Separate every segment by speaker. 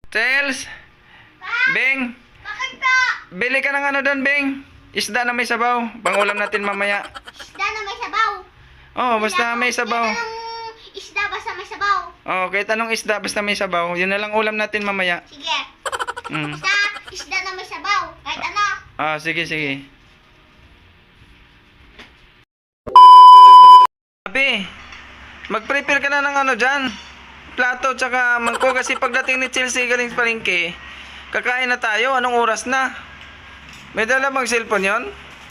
Speaker 1: Chels, Beng,
Speaker 2: Bakit pa?
Speaker 1: bili ka ng ano doon, Beng. Isda na may sabaw. Pangulam natin mamaya.
Speaker 2: Isda na may sabaw.
Speaker 1: Oh, basta may sabaw.
Speaker 2: Kahit anong isda basta may sabaw.
Speaker 1: Oh, kahit anong isda basta may sabaw. Yun na lang ulam natin mamaya.
Speaker 2: Sige.
Speaker 1: Mm.
Speaker 2: Basta isda na may sabaw. Kahit ano.
Speaker 1: Ah, sige, sige. Abi, mag-prepare ka na ng ano dyan. Plato tsaka mangkok kasi pagdating ni Chelsea galing sa palengke, kakain na tayo. Anong oras na? May dala bang cellphone yon?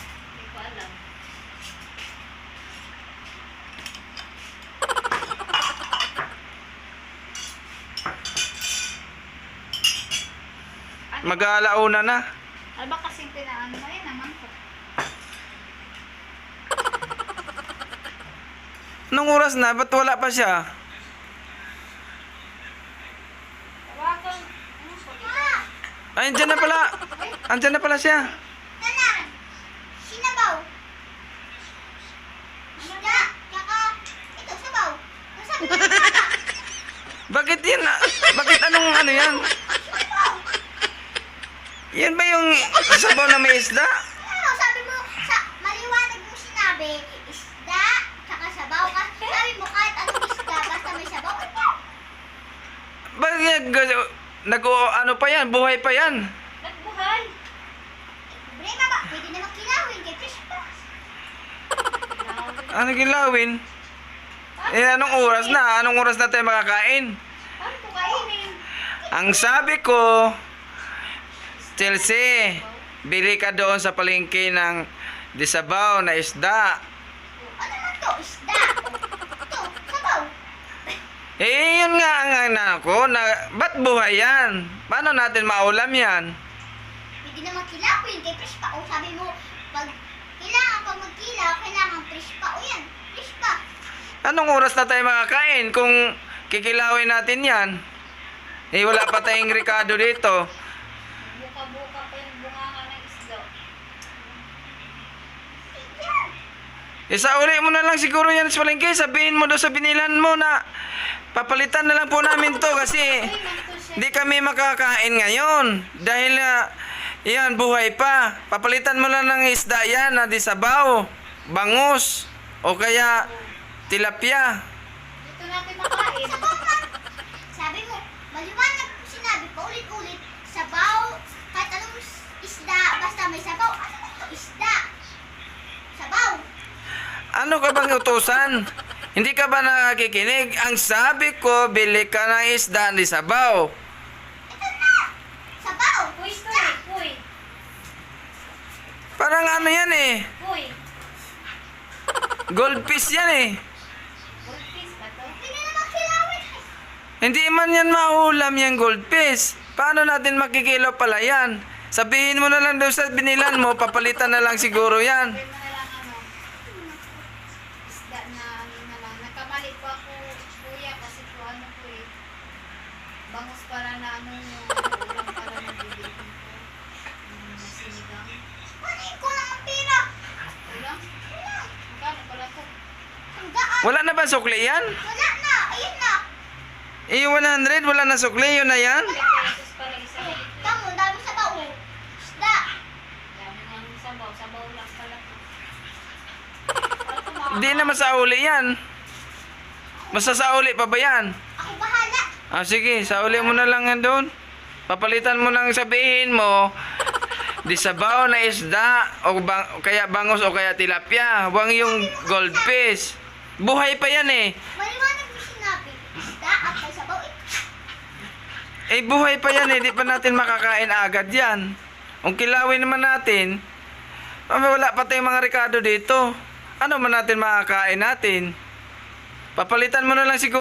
Speaker 1: Mag-aalauna na.
Speaker 2: Ano ba kasing pinaano mo yun naman ko?
Speaker 1: Anong oras na? Ba't wala pa siya?
Speaker 2: Tawagan. Ano ko?
Speaker 1: Ay, andyan na pala. Andyan na pala siya.
Speaker 2: Tanan. Sinabaw. Isda. Tsaka ito sabaw. Ang sabi ko
Speaker 1: Bakit yan? Bakit anong ano yan?
Speaker 2: sabaw.
Speaker 1: Yan ba yung sabaw na may isda?
Speaker 2: Ano sabi mo sa maliwanag mo sinabi isda tsaka sabaw ka. Sabi mo kahit anong isda basta may sabaw.
Speaker 1: Bakit ano pa yan? Buhay pa yan.
Speaker 2: Nagbuhay. Problema ba? Pwede naman kilawin kay Chris pa.
Speaker 1: Ano gilawin? Eh, anong oras na? Anong oras na tayo makakain?
Speaker 2: Paano ko kainin?
Speaker 1: Ang sabi ko, Chelsea, bili ka doon sa palengke ng disabaw na isda.
Speaker 2: Ano man to? Isda. Ito, sabaw.
Speaker 1: Eh, yun nga ang ano ko, ba't buhay yan? Paano natin maulam yan?
Speaker 2: Pwede naman kilawin kay Chris pa. O sabi mo, pag magkilaw, kailangan Chris pa. O yan, Chris pa.
Speaker 1: Anong oras na tayo makakain kung kikilawin natin yan? Eh, wala pa tayong rekado dito.
Speaker 2: Buka-buka pa yung bunganga ng isda.
Speaker 1: Isauli mo na lang siguro yan sa palengke. Sabihin mo doon sa binilan mo na papalitan na lang po namin to kasi di kami makakain ngayon. Dahil yan, buhay pa. Papalitan mo lang ng isda yan na di sabaw, bangus, o kaya tilapia.
Speaker 2: Dito natin makain. Sabaw na. Sabi mo, maliwanag mo sinabi pa ulit-ulit, sabaw, kahit anong isda, basta may sabaw. Ano ito? Isda. Sabaw.
Speaker 1: Ano ka bang utusan? Hindi ka ba nakikinig? Ang sabi ko, bili ka ng isda di sabaw.
Speaker 2: Ito na. Sabaw. Puy, puy.
Speaker 1: Parang ano yan eh.
Speaker 2: Puy.
Speaker 1: Goldfish yan eh.
Speaker 2: Goldfish ba to? Hindi naman kilawin.
Speaker 1: Hindi man yan maulam yung goldfish. Paano natin makikilo pala yan? Sabihin mo na lang doon sa binilan mo, papalitan na lang siguro yan.
Speaker 2: Sabi mo na lang ano, isda na ano na lang. Nakamali po ako, kuya, kasi po ano po eh. Bangus para na ano yung ulam para na bibigyan ko. Sinigang. Kunin ko lang ang pera. Ulam? Ulam. Magkano pala to? Hanggaan.
Speaker 1: Wala na ba sukli yan?
Speaker 2: Wala na. Ayun na.
Speaker 1: Eh, 100, wala na sukli, yun na yan.
Speaker 2: Pesos pala isa. Tamo, dami sabaw. Isda. Dami nga ng sabaw. Sabaw lang pala to.
Speaker 1: Hindi na masauli yan. Masasauli pa ba yan?
Speaker 2: Ako bahala.
Speaker 1: Ah, sige, sauli mo na lang yan doon. Papalitan mo nang sabihin mo, di sabaw na isda, o kaya bangus o kaya tilapia. Huwag yung goldfish. Buhay pa yan eh.
Speaker 2: Maliwanag mo sinabi. Isda at may sabaw.
Speaker 1: Eh, buhay pa yan eh. Di pa natin makakain agad yan. Kung kilawin naman natin, wala pa tayong mga rekado dito. Ano man natin makakain natin? Papalitan mo na lang siguro.